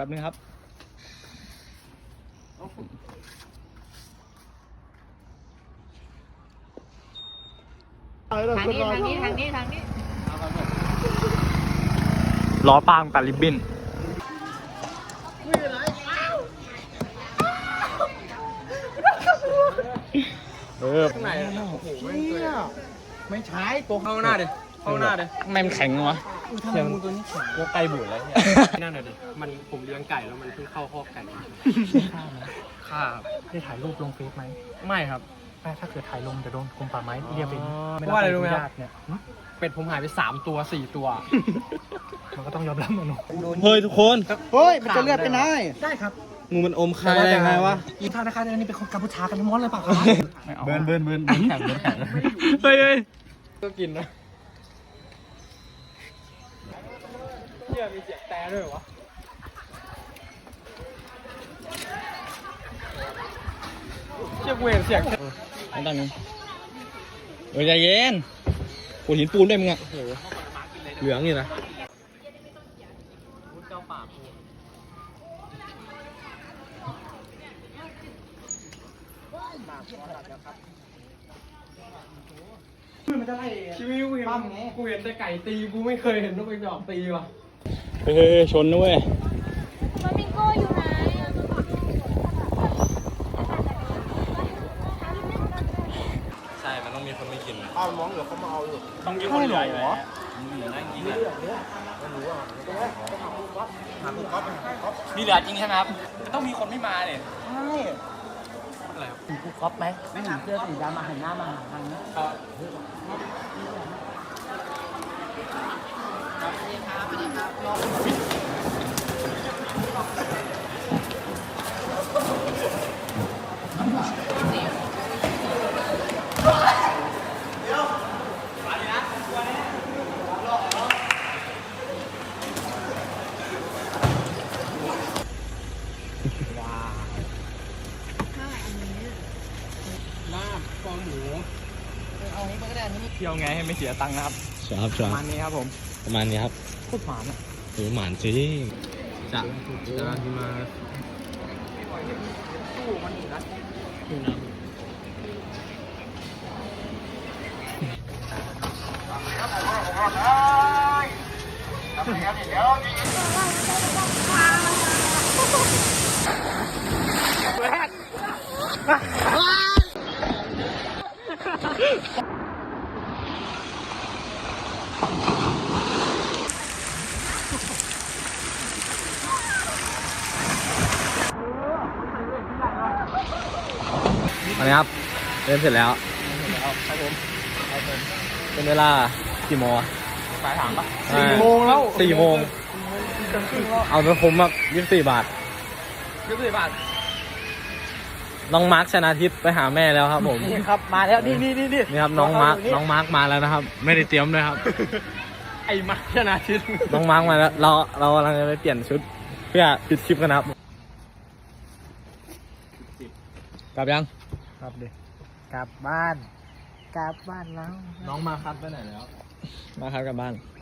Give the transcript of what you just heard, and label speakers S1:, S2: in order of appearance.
S1: บนึงครับ
S2: ทางนี้
S1: ล้อปางตัดริบบิ้น
S3: ข้างในโอ้โห
S1: ไม่ใช่ตัว
S3: เข้าหน้าดิเข้าหน้าดิ
S1: ทำไมมันแข็งวะ
S3: ทำไมงูตัวนี้แข็ง
S1: ตัวไก่บุ๋แล้วเนี่ย
S3: นั่นน่ะดิมันผมเลี้ยงไก่แล้วมันเพิ่งเข้าคอกไก่ข้า
S1: ได้ถ่ายรูปลงเฟซไหม
S3: ไม่ครับ
S1: ถ้าเกิดถ่ายลงจะโดนกรมป่าไม้เรียกเป็น
S3: เพราะว่าอะไรรู้ไหมครับ
S1: เนี่ย
S3: เป็ดผมหายไป3 ตัว 4 ตัว
S1: มันก็ต้องยอมรับมันเนอะ
S4: เฮ้ยทุกคน
S2: เฮ้ยมันจะเลือดไปไหน
S1: ได้ครับ
S4: งูมันอมคายได้ไงวะ
S1: อีท่านะคะนี่เป็นคนกัมพูชากันทั้งหมดเลยเปล่าครับ
S4: เบิร์นแข็ง
S1: เฮ้ย
S3: ก็กินนะเนี่ยมีเสียงแต่ด้วยวะเชี่ยเวรเสียง
S4: ไม่ต้องนี้ใจเย็นปูหินปูนได้มึงอะเหลืองนี่นะ
S3: เจ้าป่ามันจะไล่ชีวิตกูเห็นแต่ไก่ตีกูไม่เคยเห็นนกกระจอกตีว่ะ
S4: เฮ้ยชนนะเว้ย
S5: ฟลามิงโก้อยู่ไหน
S4: ใช่มันต้องมีคนไม่กิน
S1: ต้องมีคนใหญ่เหรอมีเหลือจริงใช่ไหมครับต้องมีคนไม่มาเนี่ย
S3: อะไรครับ
S2: กูก๊อปไหมไม่หาเสื้อสีดำมาหันหน้ามาหาทางนี้
S3: ลาบคอหมู
S1: เที่ยวไงให้ไม่เสียตังค์นะครับ
S4: ครับ
S1: ประมาณนี้ครับผม
S4: ประมาณนี้ครับ
S1: โคตรหวานอ่ะ
S4: หมานจริงจะที่มา อันนี้ครับเล่นเสร็จแล้วครับผมเป็นเวลากี่โมง
S1: ปลายทางปะ
S3: 4 โมงแล้ว
S4: 4 โมงเอาไปคุ้มแบบ24 บาท
S3: 24 บาท
S4: น้องมาร์คชนะทิพย์ไปหาแม่แล้วครับผม
S2: นี่ครับมาแล้วนี่
S4: นี่ครับน้องมาร์คมาแล้วนะครับ ไม่ได้เตรียมด้วยครับ
S3: ไอ้มาชนะทิศ
S4: น้องมาร์คมาแล้วเรากำลังจะไปเปลี่ยนชุด เพื่อปิดคลิปกันนะครับกลับยัง
S2: ครับดิกลับบ้านแล้ว
S3: น้องมาคัดไปไหนแล้ว
S4: มาครับกลับบ้าน
S2: ก